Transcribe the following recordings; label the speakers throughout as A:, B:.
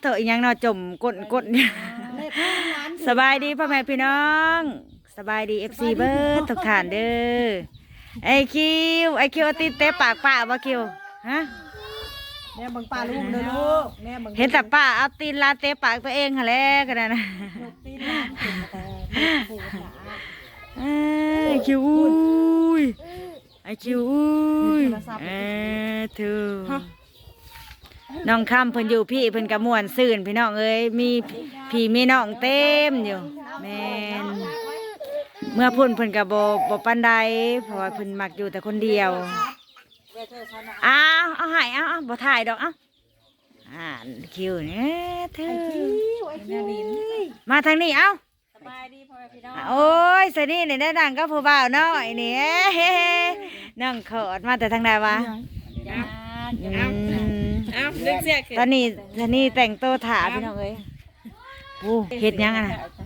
A: เถอะอีหยังเนาะจมก้นสบายดีพ่อแม่พี่น้องสบายดี FC เบิร์ดทุกท่านเด้อไอคิวเอาตีนเตะปากป้าบ่คิวฮะ
B: แม่บังป้าลูกเลยลูกแม่บัง
A: เห็นแต่ป้าเอาตีนลาเตะปากตัวเองหั่นแหละก็ได้นะ
B: ตีนหลานเป็นแต่เสียขา
A: ไอคิวอุ้ยไอคิวอุ้ยเธอน้องคำเพิ่นอยู่พี่เพิ่นกระมวนซื่นพี่น้องเอ้ยมีพี่มีน้องเต็มอยู่แม่นเมื่อพุ่นเพิ่นกระบ่ปานใดเพราะว่าเพิ่นมักอยู่แต่คนเดียวเอาให้เอาบ่ถ่ายดอกคิวเนี่ยเธอมาทางนี้เอา
C: สบายดีพ่อพี่น้อง
A: โอ้ยสนี่นี่ได้ดังก็ผู้บ่าวน้อยนี่นั่งเขิดมาแต่ทางใดวะตอนนี้แต่งตัวถาพี่น้องเอ้ยโอ้เฮ็ดยังอ่ะ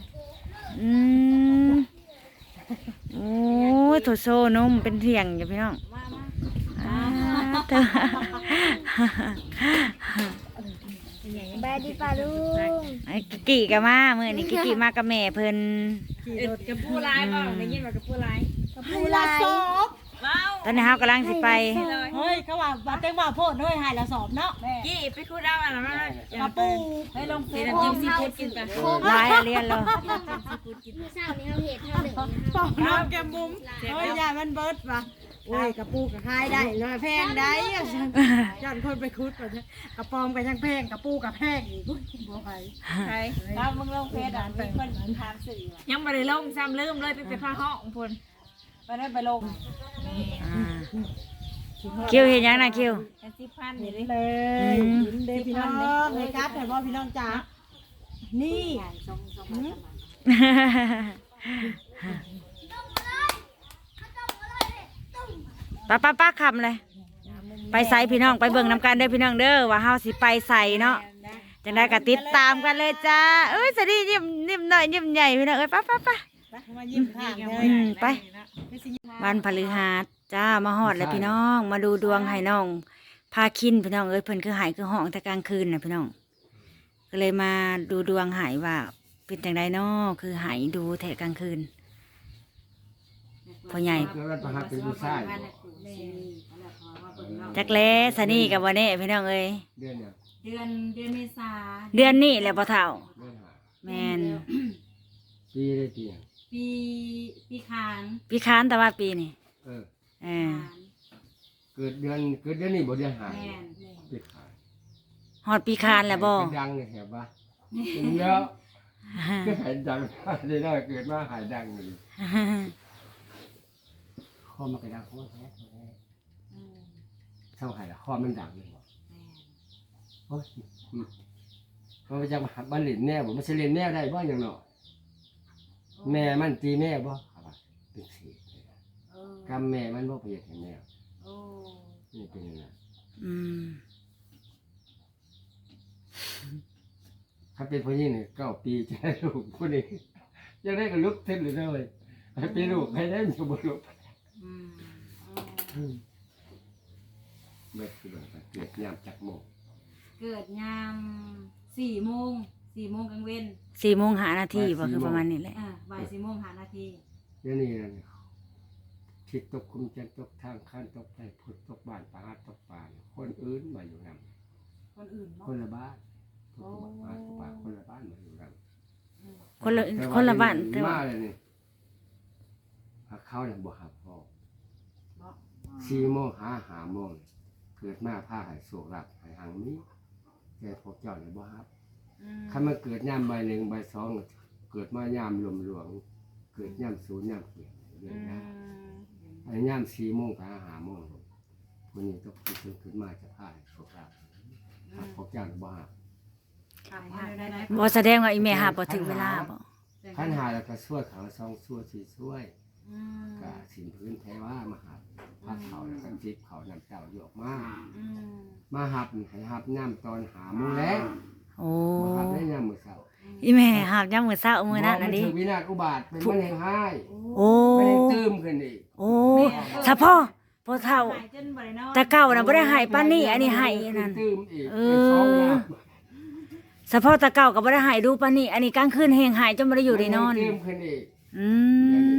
A: โอ้ยโถโซนมเป็นเถียงอยู่พี่น้องเธอ
C: บายดีป้าลุง
A: ไอ้กิกิกับมาเมื่อนี้กิกิมากับแม่เพิ่น
C: กับผู้ร้ายบ่ได้ยินว่ากับผู้ร้าย
B: กับผู้ละสอบ
A: ตอนนี้เฮากำลังสิไป
B: เฮ้ยเขาว่าบาเต็งว่าโพดเฮ้ยหายละสอบเนาะ
C: กี่ไปคูดเอาอะไรมา
B: กระปู
C: ให้ลงเฟซจิ้มซีฟู้ดกินไป
A: หลายเรียนเลย
C: เช้านี้เขาเห็ดเท่าหนึ่ง
B: ปอกน้ำแกมบุ้มเฮ้ยยามันเบิดป่ะโอ้ยกระปูกับคายได้เลยแพงได้ยันคนไปคุดก่อนกระปอมกับยังแพงกระปูกับแพงอีกบ่ไป
C: ใช่แล้วมึงลงเฟซอ่ะมีคนถามสื่อยังไม่ได้ลงซ้ำลืมเลยไปพาห้องพุ่นไปได้ไปลง
A: คิวเห็นยังนะคิว
C: 10,000นี่
B: เลยเด็กพี่น้องเลยครับแต่ว่าพี่น้องจ๋านี่
A: ป้าคำเลยไปใส่พี่น้องไปเบิ่งน้ำกันเด้อพี่น้องเด้อว่าเฮาสิไปใส่เนาะจังได้ก็ติดตามกันเลยจ้าเอ้ยสวัสดียิ้มหน่อยยิ้มใหญ่พี่น้องเอ้ยป้า
B: มายิ้มข้างเลย
A: ไปวันพฤหัสจ้ามาฮอดเลยพี่น้องมาดูดวงให้น้องพาคินพี่น้องเอ้ยเพิ่นคือหายคือห้องแต่กลางคืนน่ะพี่น้องก็เลยมาดูดวงหายว่าเป็นจังไดน้อคือหายดูแถกลางคืนพ่อใหญ่จักแล้สนี่กับวันนี้พี่น้องเอ้ย
C: เดือนเมษา
A: เดือนนี้แหละพ่อเฒ่าแม่น
C: ปีได้ปี
A: คานแต่ว่าปีนี่
C: เกิดเดือนนี้บ่เดือนหายปีคาน
A: ฮอดปีคานแล้วบ่
C: ดังเนี่ยแหบว่าเยอะก็หายดังได้น้อยเกิดมาหายดังนี่ข้อมันก็ดังข้อแท้เท่าไหร่ละข้อมันดังเลยบ่โอ้ยมันจะมาบ้านเล่นแน่บ่มันสิเล่นแน่ได้บ่อย่างเนาะแม่มันตีแม่บ่เป็นเศษกำแม่มันบ่เปรียบแม่นี่เป็นยังไงถ้าเป็นผู้หญิงเนี่ย9 ปีจะได้ลูกผู้นี้จะได้กับลูกเต็มเลยให้เป็นลูกให้ได้มีบุตรลูกเมื่อคือเกิดยามจักโมง
D: เกิดยาม4 โมงกลางเว้น
A: 4 โมง5 นาทีบ่คือประมาณนี้แหละ
D: บ่าย4 โมง5 นาที
C: เดี๋ยวนี้ทิศตกคุมจันตกทางข้านตกไปพุทธตกบ้านปาตกป่าคนอื่นมาอยู่นำคนละบ้านพุทธบ้านป่าคนละบ้านมาอยู่นำ
A: คนละบ้าน
C: แต่ว่าเลยนี่เขาเนี่ยบ่หับพ่อ4 โมง5 โมงเกิดมาผ้าหายโศกหลับหายหังนี้แต่พวกเจ้าเนี่ยบ่หับถ้ามันเกิดย่ำใบ 1 ใบ 2เกิดมายามหลวงเกิดย่ำ0 ย่ำเขียนเรื่องนะไอ้ย่ำ4 โมงไป5 โมงคนนี้ต้องขึ้นมาจะผ้าโศกหลับพวกเจ้าเนี่ยบ่หับ
A: บ่แสดงว่าอีแม่หาบ่ถึงเวลาบ่
C: ขันหาแล้วก็ช่วยเขา2 ช่วยก็สินพื้นแท้ว่ามาหับผ้าเขาแล้วก็จิบเขานำเจ้าหยอกมาหับให้หับน้ำตอน5 โมงแล้ว
A: โอ้
C: หับได้ย่ำมื้อเช้า
A: อีแม่หาบย่ำมื้อเช้ามื้อนั้นน่ะดิ
C: วินาศอุบาทเป็นมะเร็งให้
A: โอ้
C: มะเร็งตื้มขึ้นอีก
A: โอ้ถ้าพ่อเฒ่าแต่เก่าน่ะบ่ได้ให้ปานนี้อันนี้ให้นั่นเฉพาะตะเก่าก็บ่ได้หายดูปานนี้อันนี้กลางคืนแฮงหายจนบ่ได้อยู่ได้นอน
C: เกมขึ้นอีก
A: อืม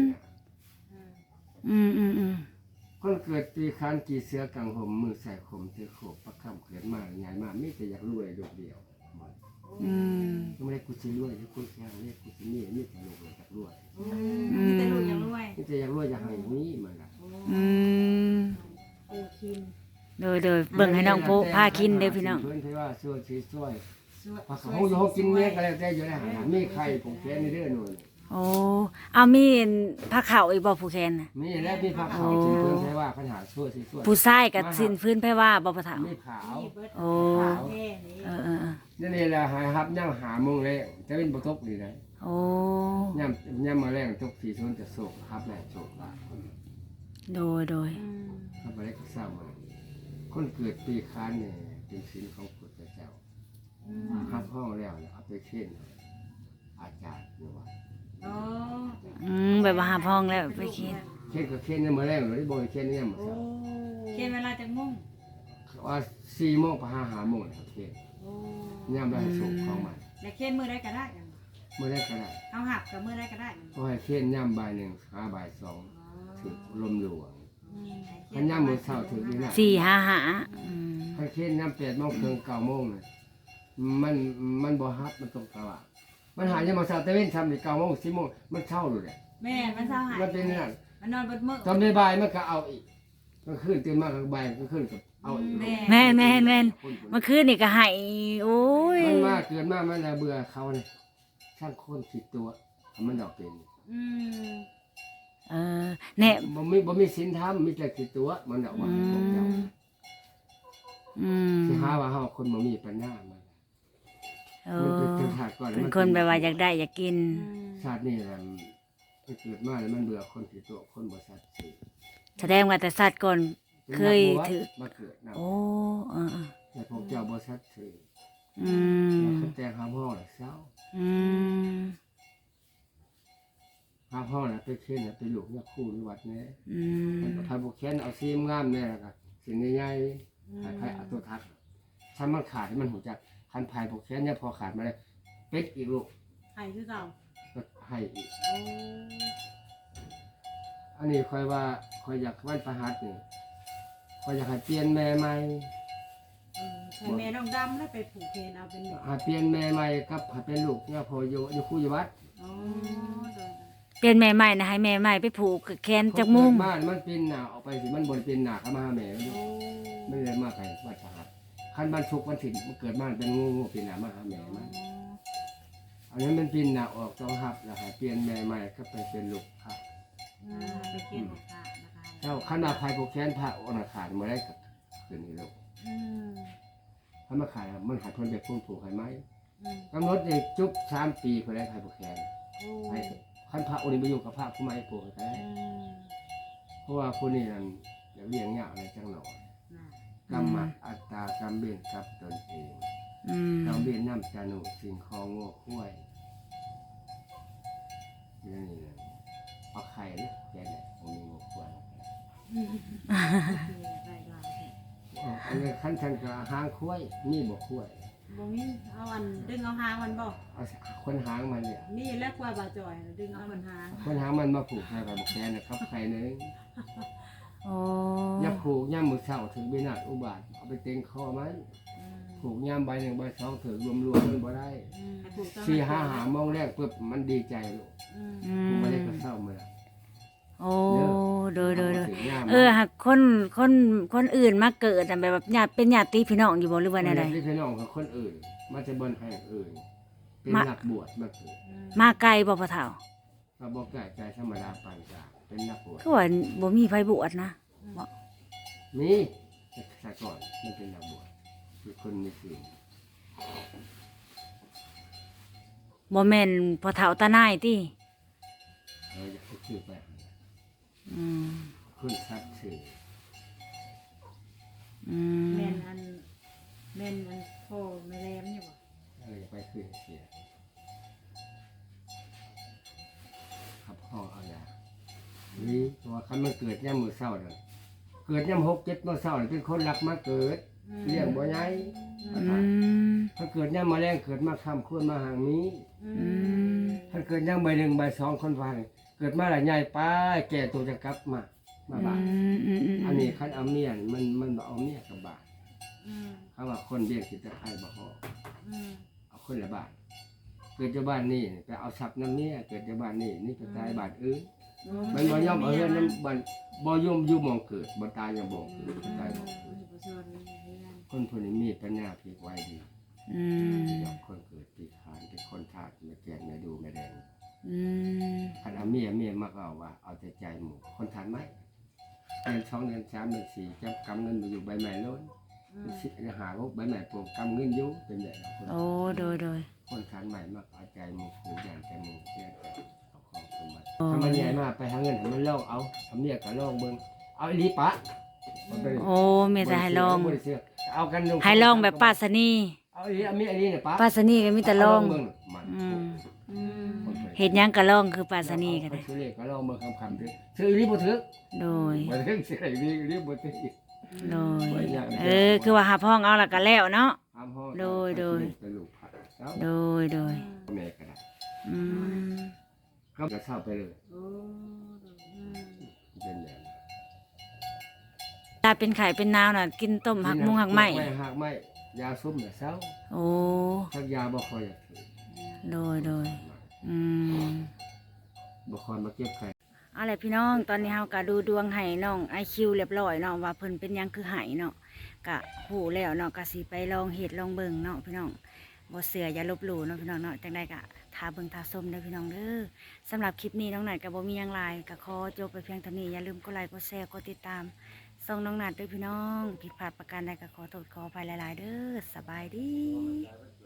A: อืม
C: คนเกิดปีคานกี่เสือกังห่มมือใส่ข่มเถือโขกประคำเขินมาใหญ่มามีแต่อยากรวยลูกเดียว
A: อืม
C: ไม่ได้กูสิรวยที่กูแค่เรียกกูสิมีมีแต่ลูกเลยอยากรวย
D: มีแต่ลูกยังรวย
C: มีแต่อยากรวยอยากให้นี้มันล่ะ
A: อืม
B: ปูคิน
A: โดยเบิ่งให้น้องโพพากินเด้อพี่น้อง
C: เพิ่นที่ว่าช่วยช่วย
D: ช่วย
C: พอเขาอยู่เขากินเมียก็แล้วแต่อยู่ได้หามีใครผมแค่นี้เด้อหนู
A: โอ้เอามีผ้าขาวอีกบ่ผู้แคนน่ะ
C: มีแล้วมีผักขาวกินเพิ่นใช่ว่าปัญหาช่วยช่วย
A: ผู้ชายกับสิ้นพื้นไผว่าบ่ปะเฒ่า
C: มีขาว
B: นี่เบิด
A: โอ้
B: แค่นี้
A: เออ
C: นี่แหละหายครับย่างหาโมงแล้วจะเป็นบ่ตกนี่นะ
A: โอ้
C: ย่ำมาแรงตกสี่ชนจะโศกครับแหละโศกละ
A: โดย
C: ครับไปได้ก็เศร้ามาคนเกิดปีค้านเนี่ยเป็นศีลของพุทธเจ้าครับห้องแล้วเอาไปเข่นอาจารย์อยู่ว่า
D: โอ้
A: แบบว่าหาพ้องแล้วไปกิน
C: เข่นก็เข่นเนี่ยมาแรงเลยบ่เข่นเนี่ยมา
B: โอ้
C: เศร้า
D: เขียนเวลาจากมุ่ง
C: ว่า4 โมงไป5 โมงแล้วเข่น
B: โอ้
C: ย่ำได้โศกของมัน
D: และเขียนมือได้ก็ได้กัน
C: เมื่อได้ก็ได้
D: เอาหักกับมือได้ก็ได้
C: ก็ให้เข่นย่ำบ่าย1หาบ่าย2ถึงลมหลวง
D: เขี
C: ขันย่ำมือเศร้าถึงนี่นะ
A: 4 5หา
C: ขันเข่นย่ำ8 โมงถึง9 โมงเลยมันบ่ฮับมันตรงกลางมันหายังมาเศร้าแต่เว้นทำใน9 โมง10 โมงมันเช่าเลยแหละ
D: แม่มันเศร้าหาย
C: มันเป็นนั่น
D: มันนอนบนมือ
C: ตอนบ่ายมันก็เอาอีกก็ขึ้นตื่นมาก็บ่ายก็ขึ้นกับเอาอีก
A: แม่นเมื่อคืนนี่ก็ให้โอ้ย
C: มันมาเกินมามันน่ะเบื่อเขาเนี่ยช่างคนผิดตัวมันดอกเป็น
D: อืม
A: เออแน่
C: บ่มีศีลธรรมมีแต่ผิดตัวมันดอกว่าพวกเจ้า สิหาว่าเฮาคนบ่มีปัญญามัน
A: โอ้
C: มันเป็นชาติก่อน
A: เป็นคนแบบว่าอยากได้อยากกิน
C: ชาตินี้แหละมันเกิดมาแล้วมันเบื่อคนผิดตัวคนบ่สัตย์ซื่อ
A: แสดงว่าแต่สัตว์ก่อน เคยถือ
C: มาเกิดนำ
A: โอ้เออ
C: แต่พวกเจ้าบ่สัตย์ซื่อ
A: อืม
C: เขาแต่งหาห้องแล้วเศร้า
A: อืม
C: หาห้องแล้วไปเค้นไปลูกเนี่ยคู่ในวัดนี้
A: อืม
C: ถ้าบ่เค้นเอาซีมงามแน่แล้วก็สิ่งใหญ่ๆให้เอาตัวทักถ้ามันขาดให้มันหูจักคันภายบ่เค้นเนี่ยพอขาดมาแล้วเป็ดอีกลูก
B: ให้คือเก่า
C: ก็ให้อีก
B: โอ้
C: อันนี้ค่อยว่าค่อยอยากวันประหัสนี่ค่อยอยากให้เปลี่ยนแม่ใหม่
B: ให้แม่น้องดำแล้วไปผูกเพนเอาเป็นแบบ
C: ให้เปลี่ยนแม่ใหม่กับให้เป็นลูกเนี่ยพออยู่คู่อยู่วัด
B: โอ้โดย
A: เป็นแม่ใหม่นะให้แม่ใหม่ไปผูกแขนจากมุ้ง
C: บ้านมันเป็นหน้าออกไปสิมันบ่ได้เป็นหน้าเข้ามาหาแม่มัน
B: โอ้
C: ไม่ได้มาไปวัดประหัสคันบ้านทุกวันถิ่นมันเกิดมาเป็นงูเป็นหน้ามาหาแม่มันอันนี้มันเป็นหน้าออกต้องหับแล้วให้เปลี่ยนแม่ใหม่ก็ไปเป็นลูกครับ
D: ไปเขียนของพระนะคะ
C: เจ้าขันมาภายผูกแขนพระอนาคารมาได้กับคืนนี้ลูก
B: อืม
C: ถ้ามาขายมันหาคนแบบพุ่งผูกให้ไหม
B: อืม
C: กำหนดเนี่ยจุ๊บ3 ปีก็ได้ภายผูกแขน
B: โอ้
C: ให้ขันพระองค์นี้ไปอยู่กับพระผู้ไม่ผูกให้ได้
B: อืม
C: เพราะว่าผู้นี้นั่นเดี๋ยวเลี้ยงยากอะไรจังหน่อย
B: น่ะ
C: กรรมะอัตตากรรมเบียนกับตนเอง
A: อืม
C: กรรมเบียนน้ำจานุสิ่งของโง่คุ้ยนี่นะเอาไข่นะแกเนี่ยผมมีโง่คุ้ย
B: ได้ลาย
C: อันนี้ขั้นชันกับหางคุ้ยนี่บ่คุ้ย
B: บ่มีเอาอันดึงเอาหางมันบ่
C: เอาคนหางมันเนี่ย
B: นี่แหละกว่าบาจอยดึงเอามันหาง
C: คนหางมันมาผูกให้กับแกนะครับไข่นึง
A: โอ้
C: อย่าผูกย่ำมือเช้าถึงเบนาดอุบาทเอาไปเต็งคอมัน
B: อืม
C: ผูกย่ำใบ1 ใบ 2ถึงรวมๆมันบ่ได้
B: อืมให้ผูกตอน
C: 4 5 หามองแรกปุ๊บมันดีใจลูก
B: อืม
A: อื
C: ผูก
A: ม
C: มาได้ก็เศร้าเมื่อ
A: โอ้โดย
C: ถึงย่าม
A: หากคนอื่นมาเกิดอะแบบญาติเป็นญาติพี่น้องอยู่บ่หรือว่าแนวใด
C: ที่พี่น้องกับคนอื่นมาจะบนแห่งอื่น เป็นนักบวชมาเกิด
A: มาไกลบ่พ่อเฒ่า
C: ก็บอกไก่ใจธรรมดาปานกลางเป็นนักบวช
A: คือว่าบ่มีไผบวชนะ
C: มีแต่ก่อนมันเป็นนักบวชคือคนมีศีล
A: บ่แม่นพ่อเฒ่าตาหนายติ
C: อยากให้ชื่อไป
A: อืม
C: คุณทรัพย์สื่อ
A: อืม
B: แม่นอันพ่อแม่แรมอยู่บ่
C: อะไรจะไปคืนเสียขับห้องเอาอย่างนี้ตัวคันมันเกิดย่ำมือเศร้าเลยเกิดย่ำ6 7 มื้อเศร้าเป็นคนรักมาเกิดเลี้ยงบ่ใหญ่
A: อืม
C: ถ้าเกิดย่ำมาแรงเกิดมาคำควรมาหางนี้
A: อืม
C: ถ้าเกิดย่ำใบหนึ่งใบสองคนฟังเกิดมาหลายใหญ่ป้าแก่ตัวจะกลับมาบ้าน อันนี้คันเอาเมียนมันบ่เอาเมียกับบาท
D: อืม
C: เขาว่าคนเบี้ยกินตะไคร้บ่พอ
D: อืม
C: เอาคนละบาทเกิดจะบ้านนี่ไปเอาทรัพย์น้ำเมียเกิดจะบ้านนี่นี่ไปตายบ้านอื่นมันบ่ยอมเอาเรื่องน้ำบ้านบ่ยอมอยู่หมองเกิดบ่ตายยังบ่เกิดบ่ตายบ่เกิดคนผู้นี้มีปัญญาพลิกไว้ดี
A: อืม
C: ยอมคนเกิดปีขานเป็นคนทาสไม่แก่ไม่ดูไม่แดง
A: อืม
C: คันเอาเมียมาก็เอาว่าเอาแต่ใจหมู่คนทานไหมเดือน2เดือน3เดือน4จับกำเงินมาอยู่ใบไม้ล้นสิหาพวกใบไม้ปลูกกำเงินอยู่เป็นแบบนั้น
A: โอ้โดย
C: คนทานใหม่มากเอาใจหมู่ผู้อย่างใจหมู่เชื่อใจเอาของสมบัติถ้ามันใหญ่มากไปหาเงินให้มันลองเอาทำเมียก็ลองเบิ่งเอาอีหลีปะ
A: โอ้เมียจะให้ลอง
C: บ่ได้เชื่อเอากันลง
A: ให้ลองแบบป้าสนี
C: เอาอีหลีเอาเมียอีหลีเนี่ยปะ
A: ป้าสนีก็มีแต่ลอง
C: เบิ่มัน
A: อืม
D: อืม
A: เฮ็ดหยังก็ลองคือป้าสนีก็ได้
C: ซื้อเลขก็ลองเบิ่งคำๆเด้อซื้ออีหลีบ่ถึก
A: โดย
C: บ่ถึกสิได้อีหลีบ่ถึก
A: โดยคือว่าหาพ้องเอาและก็แล้วเนาะ
C: ห้ามห้อง
A: โดย
C: เป็นลูกผัดแล้ว
A: โดย
C: แม่ก็ได้
A: อืม
C: ก็จะเศร้าไปเลย
D: โอ้อืม
C: เป็นแบบนั้น
A: ถ้าเป็นไข่เป็นนาวน่ะกินต้มหักมุงหักไหม
C: หักไหมยาซุ่มเนี่ยเศร้า
A: โอ้
C: ทักยาบ่คอยอยากถือ
A: โดยอืม
C: บ่คอยมาเก็บไข่
A: เอาล่ะพี่น้องตอนนี้เฮาก็ดูดวงให้น้อง IQ เรียบร้อยเนาะว่าเพิ่นเป็นหยังคือไหเนาะก็ฮู้แล้วเนาะก็สิไปลองเฮ็ดลองเบิ่งเนาะพี่น้องบ่เชื่ออย่าลบหลู่เนาะพี่น้องเนาะจังได๋ก็ทาเบิ่งทาชมเด้อพี่น้องเด้อสำหรับคลิปนี้น้องนัดก็บ่มีหยังหลายก็ขอจบไปเพียงเท่านี้อย่าลืมกดไลค์กดแชร์กดติดตามส่งน้องนัดด้วยพี่น้องผิดพลาดประการใดก็ขอโทษขออภัยหลายๆเด้อสบายดี